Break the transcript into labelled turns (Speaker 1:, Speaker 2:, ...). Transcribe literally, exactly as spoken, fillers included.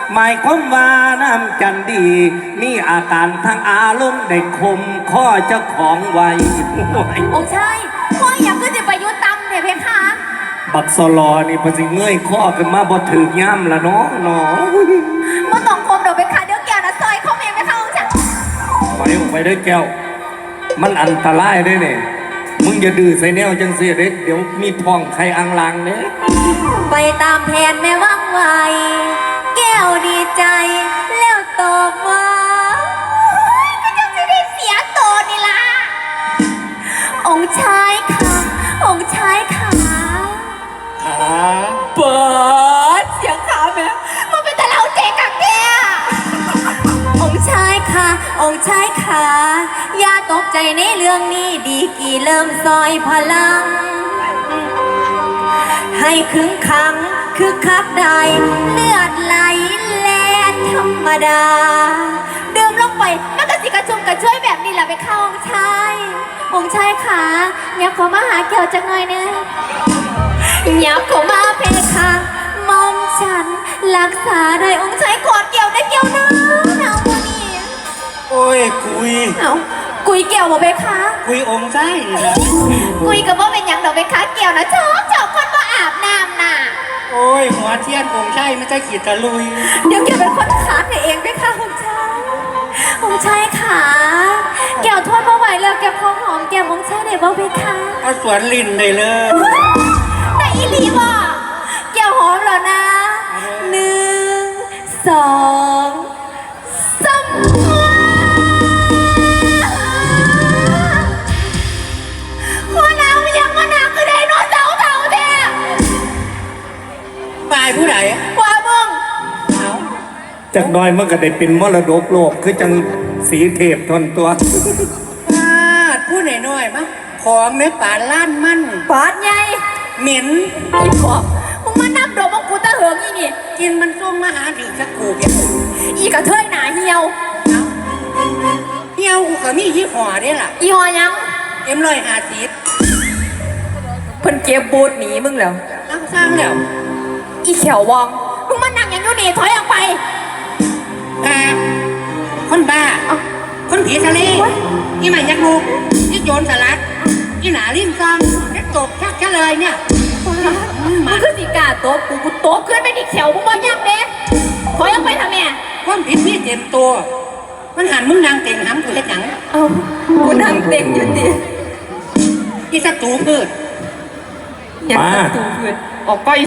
Speaker 1: หมายความว่าน้ำจันดีมีอาการทางอารมณ์ได้คมข้อเจ้าของไว้
Speaker 2: โอ้ใช่พ่ออยากก็จะไปยุตังเดี๋ยวเพคะ
Speaker 1: บักสลอนี่พอสิเงยข้อขึ้นมาบ่ถือย่ำละเนาะเนาะ
Speaker 2: มาต้องคมเดี๋ยวเพคะเดี๋ยวแกนะซอยเขาเองเพคะองค์จ้ะ
Speaker 1: ไปไปเด้อแก้วมันอันตรายได้เนี่ยมึงอย่าดื้อใส่แนวจังเสียเด็กเดี๋ยวมีท้องใครอังลางเนี่ย
Speaker 2: ไปตามแผนแม่ว่างไวแก้วดีใจแล้วตอบว่าก็จะไม่ได้เสียตัวนี่ล่ะองค์ชายค่ะองค์ชายค่ะ
Speaker 1: ขา
Speaker 2: เปิดเสียงขาแม่มันเป็นแต่เราเจ๊กับแกองค์ชายค่ะองค์ชายค่ะอย่าตกใจในเรื่องนี้ดีกี่เริ่มซอยพลังให้ขึงขังคือคักใดเลือดไหลแล่ธรรมดาเดิมลงไปมันก็สิกระชุ่มกระช่วยแบบนี้แหละไปเข้าองค์ชายองค์ชายขาอยากขอมาหาเกี่ยวจังหน่อยเนอะอยากขอมาเพคะมอมฉันรักษาได้องค์ชายกอดเกี่ยวได้เกี่ยวนะเอาโมนี่
Speaker 1: โอ้ยกุย
Speaker 2: เอากุยเกี่ยวบ่เพคะ
Speaker 1: กุยองค์ใช่นะ
Speaker 2: กุยกับว่าเป็นอย่างดอกเพคะเกี่ยวนะชอบชอบคนว่าอาบน้ำน่ะ
Speaker 1: โอ้ยหัวเทียนองค์ใช่ไม่ใช่ขีดตะลุย
Speaker 2: เดี๋ยวเกี่ยวเป็นคนขาดเองเพคะองค์ชายองค์ชายขาเกี่ยวทอดมาไหวแล้วแกพอหอมแก้มองค์ชายได้บ่เพคะ
Speaker 1: เอาสวนลินได้เลย
Speaker 2: แต่อีลีบ่เกี่ยวหอมเหรอนะหนึ่งสองสามหัวหน้ามันยังมาหนักก็ได้นอนเต่าเต่าแท้
Speaker 1: ตายผู้ใด
Speaker 2: ว่ามึง
Speaker 1: จากน้อยมันก็ได้เป็นมรดกโลกคือจังสีเทพทนตัวพูดหน่อยๆมั้งของเนื้อป่าล้านมั่น
Speaker 2: ปาดใหญ่
Speaker 1: เหม็น
Speaker 2: อีปอบมึงมานับดอกมังกูตะเหิงอีนี่
Speaker 1: กินมันส้มมาหาถึงสักกูเ
Speaker 2: อีกระเทยหนาเหี่ยว
Speaker 1: เหี่ยวกูก็มียี่ห้อได้ล่ะ
Speaker 2: อีห้อยัง
Speaker 1: เอ็มลอยหาสี
Speaker 2: เพิ่นเก็บบูดหนีมึงแล้ว
Speaker 1: ตั้งสร้างแล้ว
Speaker 2: อีเขียววองมึงมานั่งอย่างนู้นนี่ถอยออกไป
Speaker 1: อ่าคนบ้าคนผีทะเลอีใหม่ยักษ์ลูกอีโจรสลัดอีหนาลิ้นซองแล้วตบชักเฉลยเนี่ย
Speaker 2: มึงคือสิกาโต๊ะกูกูโต๊ะขึ้นไปดิเขียวมึงบอกยังเด้ถอยออกไปทำไม
Speaker 1: คนผิดมีเต็มตัวมันหันมึงนางเต็งหำกูเฮ็ดหยัง
Speaker 2: เอ้ากูนางเต็งอยู่ดิ
Speaker 1: อีศัตรูพืช
Speaker 2: อย่าศัตรูพืชออกไป